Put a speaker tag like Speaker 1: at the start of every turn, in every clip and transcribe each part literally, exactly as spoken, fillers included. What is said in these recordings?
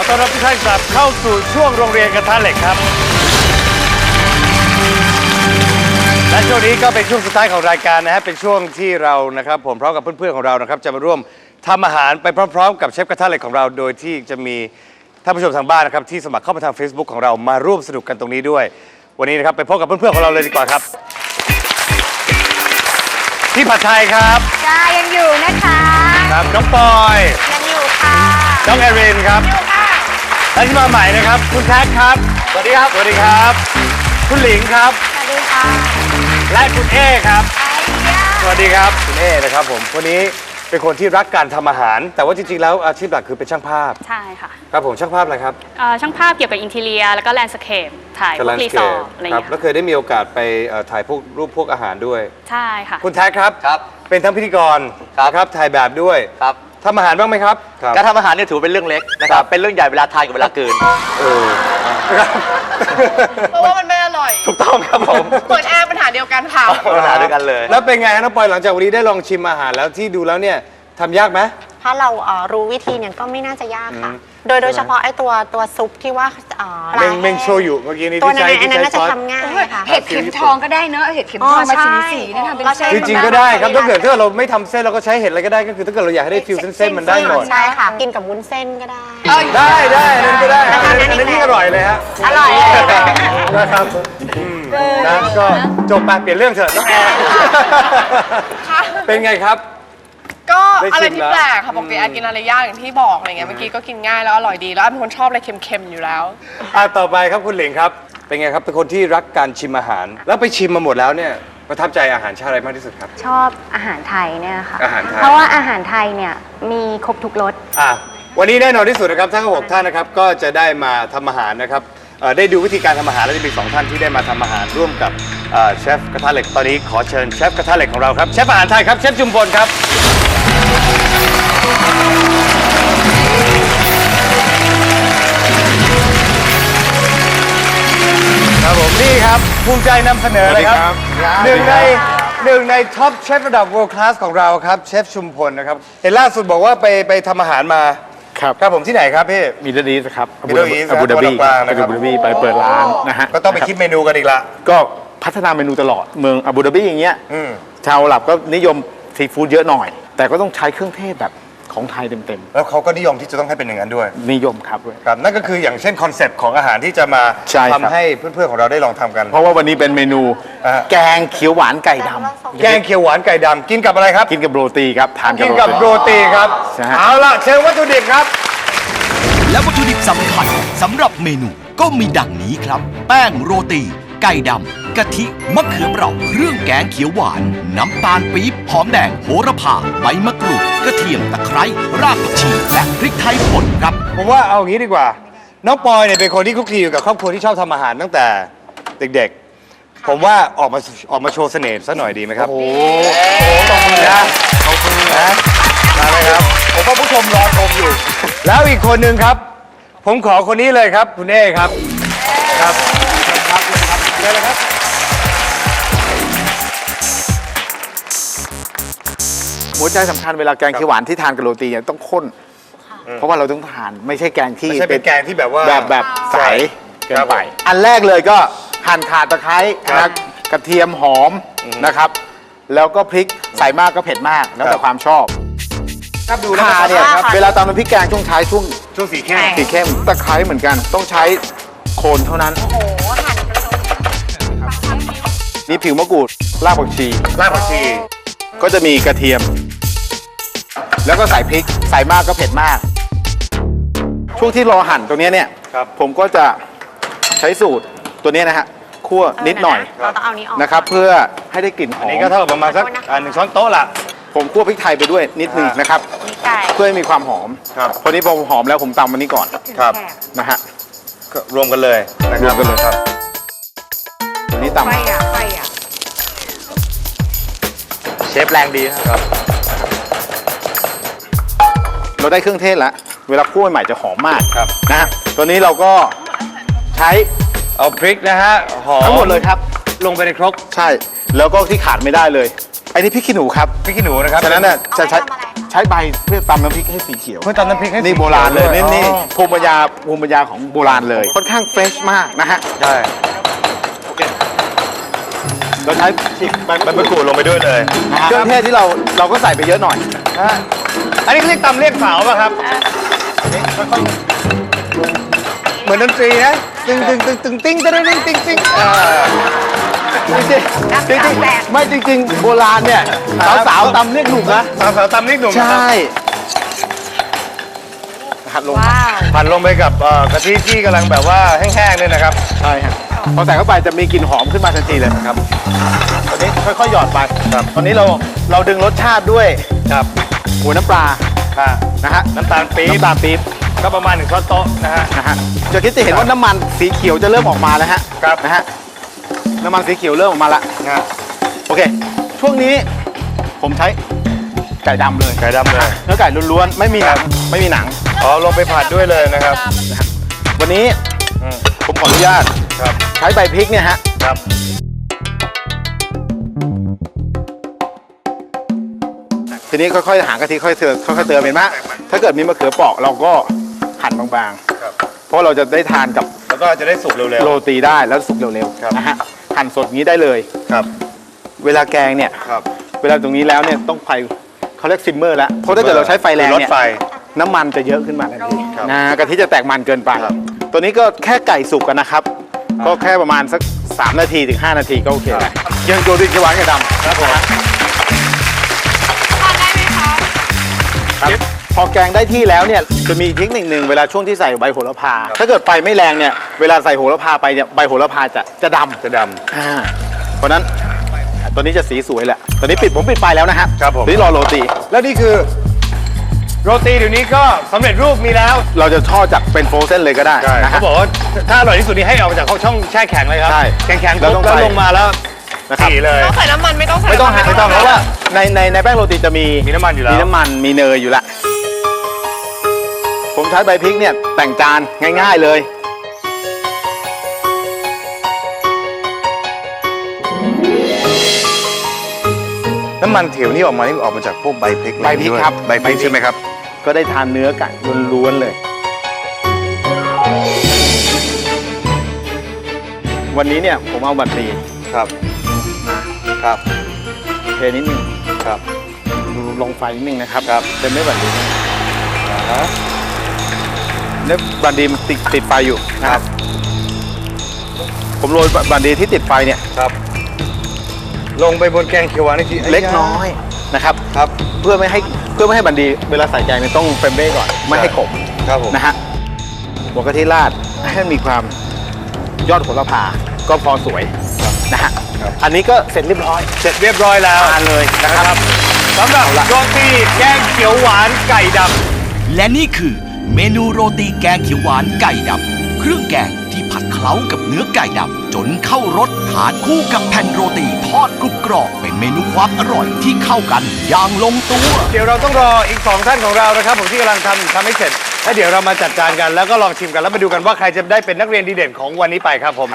Speaker 1: ต้อนรับทุกท่านกลับเข้าสู่ช่วงโรงเรียนกระทะเหล็กครับและช่วงนี้ก็เป็นช่วงสุดท้ายของรายการนะฮะเป็นช่วงที่เรานะครับผมพร้อมกับเพื่อนๆของเรานะครับจะมาร่วมทำอาหารไปพร้อมๆกับเชฟกระทะเหล็กของเราโดยที่จะมีท่านผู้ชมทางบ้านนะครับที่สมัครเข้ามาทาง Facebook ของเรามาร่วมสนุกกันตรงนี้ด้วยวันนี้นะครับไปพบกับเพื่อนๆของเราเลยดีกว่าครับพี่ผัดไทยครับ
Speaker 2: จ้ายังอยู่นะคะ
Speaker 1: ครับน้องปอย
Speaker 2: ยังอยู่ค่ะ
Speaker 1: น้องแอรินครับ
Speaker 2: อยู่ค่ะ
Speaker 1: และที่มาใหม่นะครับคุณแท็กครับสวัสดีครับสวัสดีครับคุณหลิงครับ
Speaker 2: สวัสดีค่ะ
Speaker 1: และคุณเอครับสวัสดีครับคุณเอนะครับผมคนนี้เป็นคนที่รักการทำอาหารแต่ว่าจริงๆแล้วอาชีพหลักคือเป็นช่างภาพ
Speaker 3: ใช่ค่ะ
Speaker 1: ครับผมช่างภาพอะไรครับ
Speaker 3: ช่างภาพเกี่ยวกับอินทีเรียแล้วก็แลนด์สเคปถ่ายพวกรีสอร์ทอะไรอย่างเงี้ย
Speaker 1: แล้วเคยได้มีโอกาสไปถ่ายพวกรูปพวกอาหารด้วย
Speaker 3: ใช่ค่ะ
Speaker 1: คุณแท็กครับ
Speaker 4: ครับ
Speaker 1: เป็นทั้งพิธีกรครับถ่ายแบบด้วย
Speaker 4: ครับ
Speaker 1: ทำอาหารบ้างไหมครับ
Speaker 4: การทำอาหารเนี่ยถือเป็นเรื่องเล็กนะครับเป็นเรื่องใหญ่เวลาทานกับเวลาเกิน
Speaker 1: เออ
Speaker 5: เพราะว่ามันไม่อร่อย
Speaker 4: ถูกต้องครับผม
Speaker 5: เปิดแอร์ปัญหาเดียวกันค่ะ
Speaker 4: ปัญหาเดียวกันเลย
Speaker 1: แล้วเป็นไงฮะน้องปอยหลังจากวันนี้ได้ลองชิมอาหารแล้วที่ดูแล้วเนี่ยทำยากไหม
Speaker 2: ถ้าเรารู้วิธีเนี่ยก็ไม่น่าจะยากค่ะโดยโดยเฉพาะไอ้ตัวตัวซุปที่ว่า
Speaker 1: เมงเมงโชยุเมื่อกี้นี้
Speaker 2: ที่ใช้ที่ใช้ซอสทำง่ายค่ะ
Speaker 5: เห็ดเข็มทองก็ได้เนอะเห็ดเข็มทองมาสีสีนี่ทำเป็นเส้น
Speaker 1: จริงๆก็ได้ครับถ้าเกิดถ้าเราไม่ทำเส้นเราก็ใช้เห็ดอะไรก็ได้ก็คือถ้าเกิดเราอยากให้ได้ฟิวเส้นๆมันได้หมด
Speaker 2: ใช่ค่ะกินกับวุ้นเส้นก็ได้
Speaker 1: ได้ได้นั่นก็ได้อันนี้ที่อร่อยเลยฮะ
Speaker 2: อร่อย
Speaker 1: นะครับนะก็จบไปเปลี่ยนเรื่องเถอะน้องแอร์เป็นไงครับ
Speaker 5: ก็อะไรที่แปลกค่ะปกติแอกินอะไรยากอย่างที่บอกอะไรเงี้ยเมื่อกี้ก็กินง่ายแล้วอร่อยดีแล้วแอเป็นคนชอบอะไรเค็มๆอยู่แล้ว
Speaker 1: อ่ะต่อไปครับคุณหลิงครับเป็นไงครับเป็นคนที่รักการชิมอาหารแล้วไปชิมมาหมดแล้วเนี่ยประทับใจอาหารชาติอะไรมากที่สุดครับ
Speaker 2: ชอบอาหารไทยเนี่ยค่ะ
Speaker 1: อาหารไทย
Speaker 2: เพราะว่าอาหารไทยเนี่ยมีครบทุกรส
Speaker 1: อ่ะวันนี้แน่นอนที่สุดนะครับทั้งหกท่านนะครับก็จะได้มาทำอาหารนะครับได้ดูวิธีการทำอาหารและจะมีสองท่านที่ได้มาทำอาหารร่วมกับเชฟกระทะเหล็กตอนนี้ขอเชิญเชฟกระทะเหล็กของเราครับเชฟอาหารไทยครับเชฟจุมพลครับครับผมนี่ครับภูมิใจนำเสนอเลยครับหนึ่งในหนึ่งในท็อปเชฟระดับ world class ของเราครับเชฟชุมพลนะครับเห็นล่าสุดบอกว่าไปไปทำอาหารมา
Speaker 6: ครับ
Speaker 1: ครับผมที่ไหนครับพี่
Speaker 6: มิดเดิลอีสต์ครับ
Speaker 1: มิดเดิลอีสต์
Speaker 6: อาบูดาบีอาบูดาบีไปเปิดร้านนะฮะ
Speaker 1: ก็ต้องไปคิดเมนูกันอีกละ
Speaker 6: ก็พัฒนาเมนูตลอดเมืองอาบูดาบีอย่างเงี้ยชาวหลับก็นิยมซีฟู้ดเยอะหน่อยแต่ก็ต้องใช้เครื่องเทศแบบของไทยเต็ม
Speaker 1: ๆแล้วเขาก็นิยมที่จะต้องให้เป็นอย่างนั้นด้วย
Speaker 6: นิยมครับ
Speaker 1: ครับนั่นก็คืออย่างเช่นคอนเซปต์ของอาหารที่จะมาทำให้เพื่อนๆของเราได้ลองทำกัน
Speaker 6: เพราะว่าวันนี้เป็นเมนูแกงเขียวหวานไก่ด
Speaker 1: ำแกงเขียวหวานไก่ดำกินกับอะไรครับ
Speaker 6: กินกับโรตีครับทาน
Speaker 1: กินกับโรตีครับเอาล่ะเชิญวัตถุดิบครับ
Speaker 7: และวัตถุดิบสำคัญสำหรับเมนูก็มีดังนี้ครับแป้งโรตีไก่ดำกะทิมะเขือเปราะเครื่องแกงเขียวหวานน้ำตาลปี๊บหอมแดงโหระพาใบมะกรูดกระเทียมตะไคร้รากผักชีและพริกไทยป่นครับ
Speaker 1: ผมว่าเอางี้ดีกว่าน้องปอยเนี่ยเป็นคนที่คลุกคลีอยู่กับครอบครัวที่ชอบทำอาหารตั้งแต่เด็กๆผมว่าออกมาออกมาโชว์เสน่ห์ซะหน่อยดีไหมครับโอ้โหขอบคุณนะขอบคุณนะมาเลยครับผมว่าผู้ชมรอชมอยู่แล้วอีกคนนึงครับผมขอคนนี้เลยครับคุณเอครับครับครับครับเชิญเลยครับ
Speaker 6: หัวใจสำคัญเวลาแกงเขียวหวานที่ทานกับโรตีเนี่ยต้องข้นเพราะว่าเราต้องทานไม่ใช่แกงที่
Speaker 1: ไม่ใช่เป็นแกงที่แบบว่า
Speaker 6: แบบแบบใสเกินไปอันแรกเลยก็หั่นข่าตะไคร้นะกระเทียมหอมนะครับแล้วก็พริกใส่มากก็เผ็ดมากแล้วแต่ความชอบ
Speaker 1: ครับดู
Speaker 6: ข่าเนี่ยเวลาตำน้ำพริกแกงช่วงใช้ช่วง
Speaker 1: ช่วงสีเข้ม
Speaker 6: สีเข้มตะไคร้เหมือนกันต้องใช้โคนเท่านั้น
Speaker 2: โอ้โหหั่น
Speaker 6: มีผิวมะกรูดรากผักชี
Speaker 1: รากผักชี
Speaker 6: ก็จะมีกระเทียมแล้วก็ใส่พริกใส่มากก็เผ็ดมากช่วงที่รอหั่นตรงนี้เนี่ยผมก็จะใช้สูตรตัวนี้นะฮะคั่วนิดหน่อยนะครับเพื่อให้ได้กลิ่นหอม
Speaker 1: อันนี้ก็เท่ากับประมาณสักหนึ่งช้อนโต๊ะละ
Speaker 6: ผมคั่วพริกไทยไปด้วยนิดนึงนะครับเพื่อให้มีความหอมพอนี้พอหอมแล้วผมตำมันนี้ก่อน
Speaker 1: ครับ
Speaker 6: นะฮะ
Speaker 1: ก็รวมกันเลย
Speaker 6: รวมกันเลยครับตัวนี้ตำ
Speaker 4: เชฟแรงดีครับ
Speaker 6: เราได้เครื่องเทศแล้วเวลาคั่วใหม่จะหอมมากนะฮะตัวนี้เราก็ใช้
Speaker 1: เอาพริกนะฮะหอม
Speaker 6: ทั้งหมดเลยครับ
Speaker 1: ลงไปในครก
Speaker 6: ใช่แล้วก็ที่ขาดไม่ได้เลยไอ้นี่พริกขี้หนูครับ
Speaker 1: พริกขี้หนูนะครับ
Speaker 6: ฉะนั้นน่ะจะใช้ใช้ใบเพื่อตำน้ำพริกให้สีเขียว
Speaker 1: เพื่อตำน้ำพริกให้สี
Speaker 6: นี่โบราณเลย
Speaker 1: เขี
Speaker 6: นี่
Speaker 1: ยวด้วย
Speaker 6: นี่
Speaker 1: อ๋อ
Speaker 6: ภูมิปัญญาภูมิปัญญาของโบราณเลย ค่อนข้างเฟรชมากนะฮะ
Speaker 1: ใช่
Speaker 6: เราใช้ใบ
Speaker 1: ใบมะกรูดลงไปด้วยเลย
Speaker 6: เครื่องเทศที่เราเราก็ใส่ไปเยอะหน่อย
Speaker 1: ฮะอันนี้เขาเรียกตำเรียกสาวป่ะครับเหมือนดนตรีนะตึงตึงตึงตึงติ้งตึงตึงติ้งติ้งอ่า
Speaker 6: จริงๆจริงๆไม่จริงๆโบราณเนี่ยสาวๆตำเรียกหนุ่มนะ
Speaker 1: สาวสาวตำนี่หนุ่มนะ
Speaker 6: ใช่
Speaker 1: ครับ
Speaker 6: หัดลง
Speaker 3: ว้าว
Speaker 1: ผัดลงไปกับเอ่อกะทิที่กำลังแบบว่าแห้งๆเนี่ยนะครับ
Speaker 6: ใช่ฮะพอใส่เข้าไปจะมีกลิ่นหอมขึ้นมาทันทีเลยครับตอนนี้ค่อยๆหยอดไปครับตอนนี้เราเราดึงรสชาติด้วย
Speaker 1: ครับ
Speaker 6: หัวน้ำปลา
Speaker 1: ค่ะ
Speaker 6: นะฮะ
Speaker 1: น้ำตาลปี๊บ
Speaker 6: น้ำตาลปี๊บ
Speaker 1: ก็ประมาณหนึ่งช้อนโต๊ะนะฮะ
Speaker 6: นะฮะจะคิดจะเห็นว่าน้ำมันสีเขียวจะเริ่มออกมาแล้วฮะ
Speaker 1: ครับ
Speaker 6: นะฮะน้ำมันสีเขียวเริ่มออกมาละ
Speaker 1: นะฮะ
Speaker 6: โอเค ช่วงนี้ผมใช้ไก่ดำเลย
Speaker 1: ไก่ดำเลย
Speaker 6: เนื้อไก่ล้วนๆไม่มีหนังไม่มีหนัง
Speaker 1: อ๋อลงไปผัดด้วยเลยนะครับ
Speaker 6: วันนี้
Speaker 1: อืม
Speaker 6: ผมขออนุญาต
Speaker 1: ครับ
Speaker 6: ใช้ใบพริกเนี่ยฮะ
Speaker 1: ครับ
Speaker 6: ทีนี้ค่อยๆหางกะทิค่อยๆเติมค่อยๆเติมเห็นไหมถ้าเกิดมีมะเขือเปราะเราก็หั่นบาง
Speaker 1: ครับ
Speaker 6: ๆ เพราะเราจะได้ทานกับ
Speaker 1: แล้วก็จะได้สุกเร็ว
Speaker 6: โรตีได้แล้วสุกเร็ว
Speaker 1: ครับ
Speaker 6: ๆนะฮะหั่นสดอย่างนี้ได้เลย
Speaker 1: ๆครับ
Speaker 6: เวลาแกงเนี่ย
Speaker 1: ครับ
Speaker 6: เวลาตรงนี้แล้วเนี่ยต้องไฟเขาเรียกซิมเมอร์แล้วเพราะถ้าเกิดเราใช้ไฟแรง
Speaker 1: ลด
Speaker 6: เนี่ย
Speaker 1: ไฟ
Speaker 6: น้ำมันจะเยอะขึ้นมาทันที
Speaker 1: ครับ
Speaker 6: นะกะทิจะแตกมันเกินไป
Speaker 1: ครับ
Speaker 6: ตัวนี้ก็แค่ไก่สุกกันนะครับ ก็แค่ประมาณสักสามนาทีถึงห้านาทีก็โอเคแล้วยังโจดินเขียวหวานกับดำ
Speaker 1: ครับผม
Speaker 5: ทานได้ไหมคะ
Speaker 6: ครับพอแกงได้ที่แล้วเนี่ยจะมีเทคนิคหนึ่งเวลาช่วงที่ใส่ใบโหระพา ถ้าเกิดไฟไม่แรงเนี่ยเวลาใส่โหระพาไปเนี่ยใบโหระพาจะจะดำ
Speaker 1: จะด
Speaker 6: อ่าเพราะฉะนั้นตัวนี้จะสีสวยแหละตอนนี้ปิดผมปิดไฟแล้วนะฮะ
Speaker 1: ครับผม
Speaker 6: นี่รอโรตี
Speaker 1: ำแล้วนี่คือ โรตีเดี๋ยวนี้ก็สำเร็จรูปมีแล้ว
Speaker 6: เราจะทอดจากเป็นโฟรเซนเลยก็ได้นะ
Speaker 1: เขา
Speaker 6: ฮะ
Speaker 1: บอกว่าถ้าอร่อยที่สุดนี่ให้ออกมาจากช่องแช่แข็งเลยครับ
Speaker 6: ใช่
Speaker 1: แข็งๆ
Speaker 6: แล้ว
Speaker 1: ปุ๊
Speaker 6: ต้
Speaker 1: บ
Speaker 6: อง
Speaker 1: แล้ว
Speaker 6: ใส่
Speaker 1: ลงมาแล้ว
Speaker 6: นะครับ
Speaker 1: สีเลย
Speaker 5: ต้องใส่น้ำมันไม่ต้องใส่
Speaker 6: ไม่ต้องฮะ
Speaker 5: น้ำน
Speaker 6: ไม่ต้องเพราะว่าในในในแป้งโรตีจะมี
Speaker 1: มีน้ำมันอยู่แล้ว
Speaker 6: มีน้ำมันมีเนยอยู่ละผมใช้ใบพริกเนี่ยแต่งจานง่าย ๆเลย
Speaker 1: น้ำมันเถียวนี่ออกมานี่ออกมาจากพวกใบพริก
Speaker 6: ใบพริก
Speaker 1: ด้วย
Speaker 6: ครับ
Speaker 1: ใบพริกใช่ไหมครับ
Speaker 6: ก็ได้ทานเนื้อไก่ล้วนๆเลย วันนี้เนี่ยผมเอาบัตรดี
Speaker 1: ครับครับ
Speaker 6: เทนิดนึง
Speaker 1: ครับ
Speaker 6: ดูลงไฟนิดนึงนะครับ
Speaker 1: ครับ
Speaker 6: เป็นไม่บัตรดีนะ
Speaker 1: ฮะ
Speaker 6: เนี่ยบัตรดีมันติดติดไฟอยู่นะครับ ผมโรยบัตรดีที่ติดไฟเนี่ย
Speaker 1: ครับ ลงไปบนแกงเขียวหวานนี่ที
Speaker 6: เล็กน้อยนะครับ
Speaker 1: ครับ
Speaker 6: เพื่อไม่ให้เพื่อไม่ให้บัตรดีเวลาใส่แกงเนี่ยต้องเฟรมเบ้ก่อนไม่ให้ขม
Speaker 1: ครับผม
Speaker 6: นะฮะหัวกะทิราดให้มีความยอดโหระพาก็พอสวยนะฮะอันนี้ก็เสร็จเรียบร้อย
Speaker 1: เสร็จเรียบร้อยแล้ว
Speaker 6: ทานเลยนะครับ
Speaker 1: สำหรับโรตีแกงเขียวหวานไก่ดำ
Speaker 7: และนี่คือเมนูโรตีแกงเขียวหวานไก่ดำเครื่องแกงที่ผัดเคล้ากับเนื้อไก่ดำจนเข้ารสทานคู่กับแผ่นโรตีทอดกรุบกรอบเป็นเมนูความอร่อยที่เข้ากันอย่างลงตัว
Speaker 1: เดี๋ยวเราต้องรออีกสองท่านของเรานะครับผมที่กำลังทำทำให้เสร็จแล้วเดี๋ยวเรามาจัดจานกันแล้วก็ลองชิมกันแล้วมาดูกันว่าใครจะได้เป็นนักเรียนดีเด่นของวันนี้ไปครับผม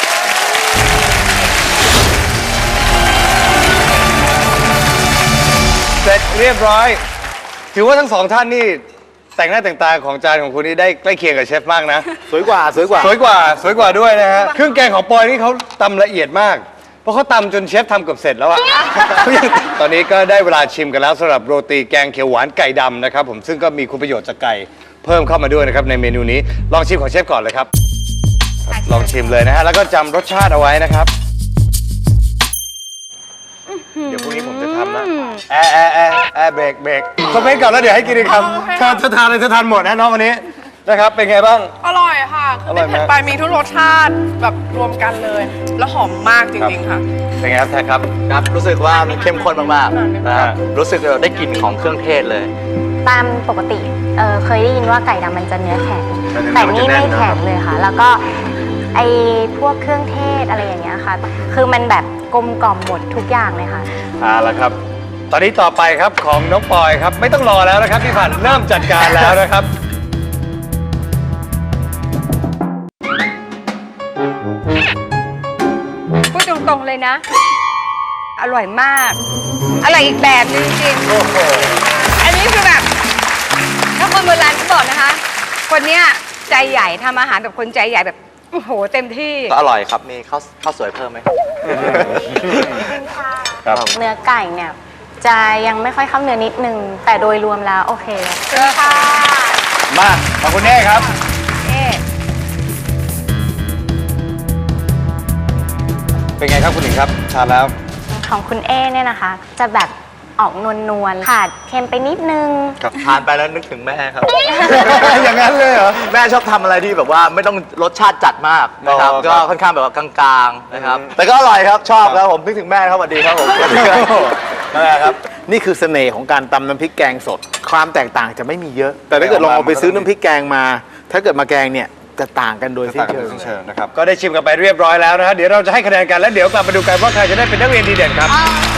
Speaker 1: เสร็จเรียบร้อย ถือว่าทั้งสองท่านนี่แต่งหน้าแต่งตาของจานของคุณนี่ได้ใกล้เคียงกับเชฟมากนะ
Speaker 6: สวยกว่าสวยกว่า
Speaker 1: สวยกว่าสวยกว่าด้วยนะฮะเครื่องแกงของปอยนี่เขาตำละเอียดมาก เพราะเขาตำจนเชฟทำเกือบเสร็จแล้วอะ ตอนนี้ก็ได้เวลาชิมกันแล้วสำหรับโรตีแกงเขียวหวานไก่ดำนะครับผมซึ่งก็มีคุณประโยชน์จากไก่เพิ่มเข้ามาด้วยนะครับในเมนูนี้ลองชิมของเชฟก่อนเลยครับ ลองชิมเลยนะฮะแล้วก็จำรสชาติเอาไว้นะครับ เดี๋ยวพรุ่งนี้ผมจะทำนะแอร์แอร์แอร์แอร์เบรกเบรกคอมเมนต์ก่อนแล้วเดี๋ยวให้กินอีกคำเธอเธอทานอะไรเธอทานหมดนะน้องวันนี้นะครับเป็นไงบ้าง
Speaker 5: อร่อยค่ะคือ
Speaker 1: อร่อยไหม
Speaker 5: ไม่เผ็ดไปมีทุกรสชาติแบบรวมกันเลย แล้วหอมมากจริงๆค่ะ
Speaker 1: เป็นไงครับแท็กครับ
Speaker 4: ครับรู้สึกว่ามันเข้มข้นมากๆนะครับรู้สึกได้กลิ่นของเครื่องเทศเลย
Speaker 2: ตามปกติเออเคยได้ยินว่าไก่ดำมันจะเนื้อแข็ง
Speaker 1: แต่เนื้อมันจะ
Speaker 2: แต่นี่
Speaker 1: แน่
Speaker 2: ไม่
Speaker 1: นนะ
Speaker 2: แข็งเลยค่ะ แล้วก็ไอพวกเครื่องเทศอะไรอย่างเงี้ยค่ะ คือมันแบบกลมกล่อมหมดทุกอย่างเลยค่ะ
Speaker 1: เอาละครับ ตอนนี้ต่อไปครับของน้องปอยครับ ไม่ต้องรอแล้วนะครับพี่ผ่านเริ่มจัดการแล้วนะครับ
Speaker 8: พูดตรงๆเลยนะ อร่อยมาก อร่อยอีกแบบนึงจริง
Speaker 1: โอ้โห
Speaker 8: ๆอัน
Speaker 5: นี่คือแบบ
Speaker 8: ถ้าคนโบราณเขาบอกนะคะ คนเนี้ยใจใหญ่ทำอาหารแบบคนใจใหญ่แบบโอ้โหเต็มที่
Speaker 4: ก็อร่อยครับมีข้าวข้าวสวยเพิ่มไหม
Speaker 1: ครับ
Speaker 2: เนื้อไก่เนี่ย จะยังไม่ค่อยเข้าเนื้อนิดนึง แต่โดยรวมแล้วโอเคค่ะ
Speaker 1: มาขอบคุณเน่ครับ
Speaker 8: เอ๊ะ
Speaker 1: เป็นไงครับคุณหญิงครับทานแล้ว
Speaker 2: ของคุณเอเนี่ยนะคะ จะแบบออกนวลๆขาดเค็มไปนิดนึง
Speaker 4: ทานไปแล้วนึกถึงแม่ครับ
Speaker 1: อย่างนั้นเลยเหรอ
Speaker 4: แม่ชอบทำอะไรที่แบบว่าไม่ต้องรสชาติจัดมากนะครับ
Speaker 1: อ๋อค
Speaker 4: ก็
Speaker 1: รับ
Speaker 4: ค่อนข้างแบบว่ากลางๆนะครับ แต่ก็อร่อยครับชอบครับผมนึกถึงแม่ครับสวัสดีครับผมสวัสดีครับ
Speaker 6: นั่นแหละครับ นี่คือเสน่ห์ของการตำน้ำพริกแกงสด ความแตกต่างจะไม่มีเยอะ แต่ถ้าเกิดลองเอาไปซื้อน้ำพริกแกงมา ถ้าเกิดมาแกงเนี่ยจะต่างกันโดยสิ้น
Speaker 1: ต่างกัน
Speaker 6: เชิ
Speaker 1: โดย
Speaker 6: ง
Speaker 1: สิ้นเชิงนะครับ ก็ได้ชิมกันไปเรียบร้อยแล้วนะฮะเดี๋ยวเราจะให้คะแนนกันแล้วเดี๋ยวกลับมาดูกันว่าใครจะได้เป็นนักเรียนดีเด่นครับ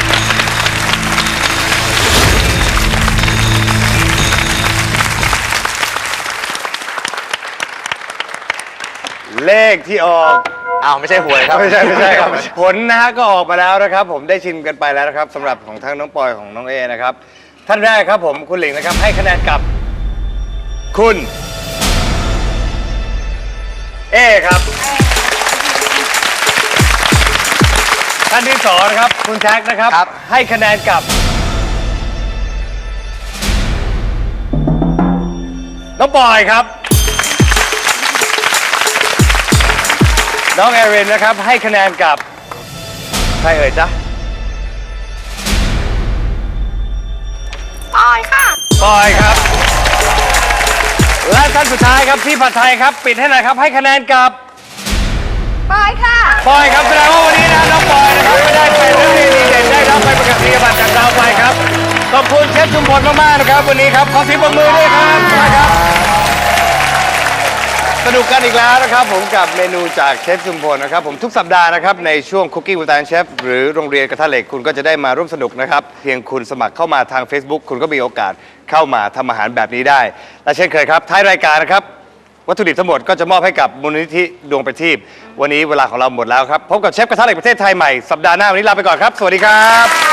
Speaker 1: เลขที่ออก
Speaker 4: อ้าวไม่ใช่หวยครับ
Speaker 1: ไม่ใช่ไม่ใช่ครับ ผลนะฮะก็ออกมาแล้วนะครับ ผมได้ชิมกันไปแล้วนะครับสำหรับของทั้งน้องปอยของน้องเอนะครับ ท่านแรกครับผมคุณหลิงนะครับ ให้คะแนนกับ คุณ เอครับ ท่านที่สองนะครับ คุณแท็กนะครับ
Speaker 4: ครับ
Speaker 1: ให้คะแนนกับ น้องปอยครับ น้องแอรินนะครับให้คะแนนกับใครเอ่ยจ๊ะ
Speaker 5: ปอยค่ะ
Speaker 1: ปอยครับ และท่านสุดท้ายครับพี่ผัดไทยครับ ปิดให้หน่อยครับให้คะแนนกับ
Speaker 8: ปอยค่ะ
Speaker 1: ปอยครับแสดงว่าวันนี้นะน้องปอยนะครับไม่ได้เป็นนักเรียนดีเด่นได้รับไปประกาศนียบัตรจากดาวไปครับขอบคุณเชฟชุมพลมากๆนะครับวันนี้ครับขอเสียงปรบมือด้วยครับนะครับ สนุกกันอีกแล้วนะครับผมกับเมนูจากเชฟชุมพลนะครับผมทุกสัปดาห์นะครับในช่วง Cooking with Iron Chef หรือโรงเรียนกระทะเหล็กคุณก็จะได้มาร่วมสนุกนะครับเพียงคุณสมัครเข้ามาทาง Facebook คุณก็มีโอกาสเข้ามาทำอาหารแบบนี้ได้ และเช่นเคยครับท้ายรายการนะครับวัตถุดิบทั้งหมดก็จะมอบให้กับมูลนิธิดวงประทีปวันนี้เวลาของเราหมดแล้วครับพบกับเชฟกระทะเหล็กประเทศไทยใหม่สัปดาห์หน้าวันนี้ลาไปก่อนครับสวัสดีครับ